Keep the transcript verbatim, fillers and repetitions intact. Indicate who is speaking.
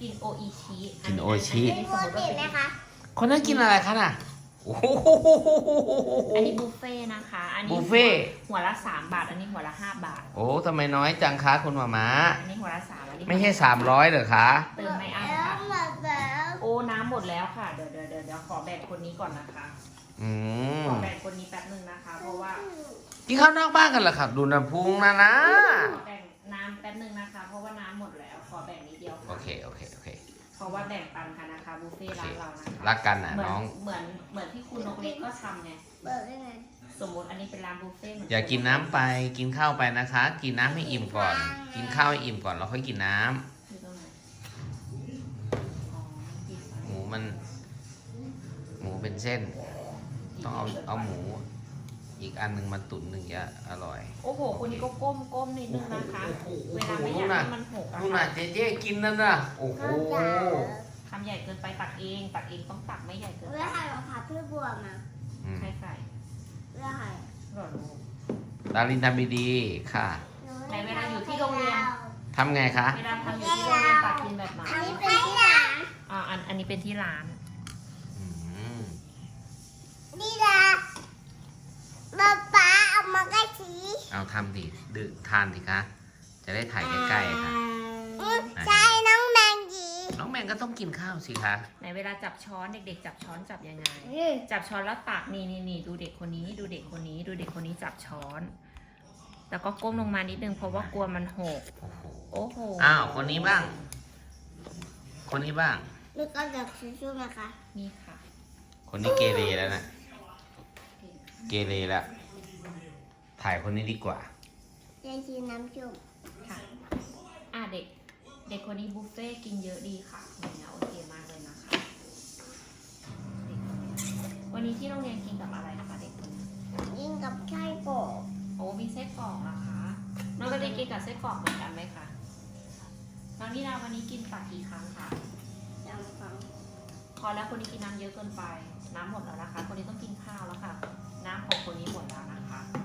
Speaker 1: กินโออิชิ
Speaker 2: กินโออิชิ
Speaker 1: อันนี้สมมติว่าเป็น
Speaker 2: คนนั้นกินอะไรคะน่ะโอ้โห
Speaker 1: อันนี้บุฟเฟ่นะคะ อันนี้
Speaker 2: บุฟเฟ่
Speaker 1: หัวละสามบาท อันนี้หัวละห้าบาท
Speaker 2: โอ้ทำไมน้อยจังคะคุณหมาม้า
Speaker 1: อันนี้หัวละสามอันนี้
Speaker 2: ไม่ใช่สามร้อยเหรอคะ
Speaker 1: เติมไม่อั้นค่ะโอ้น้ำหมดแล้วค่ะ เดี๋ยวเดี๋ยวเดี๋ยวเดี๋ยวขอแบ่งคนนี้ก่อนนะคะ
Speaker 2: อืม
Speaker 1: ขอแบ่งคนนี้แป๊บนึงนะคะ เพราะว่า
Speaker 2: กินข้าวนอกบ้านกันเหรอครับ ดูน้ำพุงนะนะ
Speaker 1: ขอแบ่งน้ำแป๊บนึงนะคะ เพราะว่าน้ำหมดแล้ว ขอแบ่งนิดเดียว
Speaker 2: โอ
Speaker 1: ค่ะ
Speaker 2: เคโอเคโอเค
Speaker 1: เพราะว่าแบ่งปันกันนะคะบุฟเฟ่ต์ร้านเรานะคะ
Speaker 2: รักกันนะ
Speaker 1: เหมือน
Speaker 2: น้อง
Speaker 1: เหมือนเหมือนที่คุณนกเล็กก็ทำไง
Speaker 3: เบิกได้ไง
Speaker 1: สมมติอันนี้เป็นร้านบุฟเฟ่ต์เหมือน
Speaker 2: อย่ากินน้ำไปกินข้าวไปนะคะ กินน้ำให้อิ่มก่อน กินข้าวให้อิ่มก่อนแล้วค่อยกินน้ำ
Speaker 1: อยู่ตรงไหนอ๋อกินไป
Speaker 2: หมูมัน หมูเป็นเส้น ต้องเอาเอาหมู อีกอันหนึ่งมาตุ๋นหนึ่งจะอร่อย
Speaker 1: โอ้โหคนนี้ก็ก้มก้มนิดนึงนะคะ เวลาไม่อยากให้มันหกอะ
Speaker 2: นู่น
Speaker 1: ค่ะ
Speaker 2: น่ะเจ๊เจ๊กินนั่นน่ะโอ้โห
Speaker 1: ทำใหญ่เกินไปตักเองตักเองต้องตักไม่ใหญ่เกิน
Speaker 3: เว
Speaker 1: ไป
Speaker 3: ลาใครรองเท้าพี่บัวมา
Speaker 2: อืม
Speaker 1: ใช่ใส่
Speaker 3: เวลาใคร
Speaker 1: หลอดลูก
Speaker 2: ดารินทำดีๆค่ะ
Speaker 1: ไหนเวลาอยู่ที่โรงเรียน
Speaker 2: ทำไงคะ
Speaker 1: เวลาทำอยู่ที่โรงเรียนตักกินแบบไหน
Speaker 3: อันนี้เป็นที่หลัง
Speaker 1: อ่าอันอันนี้เป็นที่ร้าน
Speaker 2: อืม
Speaker 3: นี่ละป๊าป๊าเอามาใกล้ที
Speaker 2: เอาทำดิดื่มทานสิคะ จะได้ถ่ายใกล้ๆค่ะ
Speaker 3: อืมใช่น้องแมงจี
Speaker 2: น้องแมงก็ต้องกินข้าวสิคะ
Speaker 1: ไหนเวลาจับช้อนเด็กๆ จับช้อนจับยังไง
Speaker 3: อืม
Speaker 1: จับช้อนแล้วตักนี่นี่นี่ดูเด็กคนนี้ ดูเด็กคนนี้ ดูเด็กคนนี้จับช้อน แล้วก็ก้มลงมานิดนึงเพราะว่ากลัวมันหก
Speaker 2: โอ้โห
Speaker 1: โอ้โห
Speaker 2: อ้าว คนนี้บ้าง คนนี้บ้าง
Speaker 3: นี่ก็จะชู้ๆนะคะ
Speaker 1: นี่ค่ะ
Speaker 2: คนนี้เกเรแล้วนะ เกเรแล้ว ถ่ายคนนี้ดีกว่า
Speaker 3: จะชิมน้ำจุ่ม
Speaker 1: ค่ะ อ่ะเด็ก เด็กคนนี้บุฟเฟ่ต์กินเยอะดีค่ะเนี่ยโอเคมากเลยนะคะเด็กคนนี้วันนี้ที่โรงเรียนกินกับอะไรคะเด็กคนนี้
Speaker 3: ยิ่งกับไส้กรอก
Speaker 1: โอ้มีไส้กรอกนะคะ น้องก็ได้กินกับไส้กรอกเหมือนกันไหมคะ น้องนิดาวันนี้กินตักกี่ครั้งคะ
Speaker 3: จำฟัง
Speaker 1: พอแล้วคนนี้กินน้ำเยอะเกินไป น้ำหมดแล้วนะคะ คนนี้ต้องกินข้าวแล้วค่ะ น้ำของคนนี้หมดแล้วนะคะ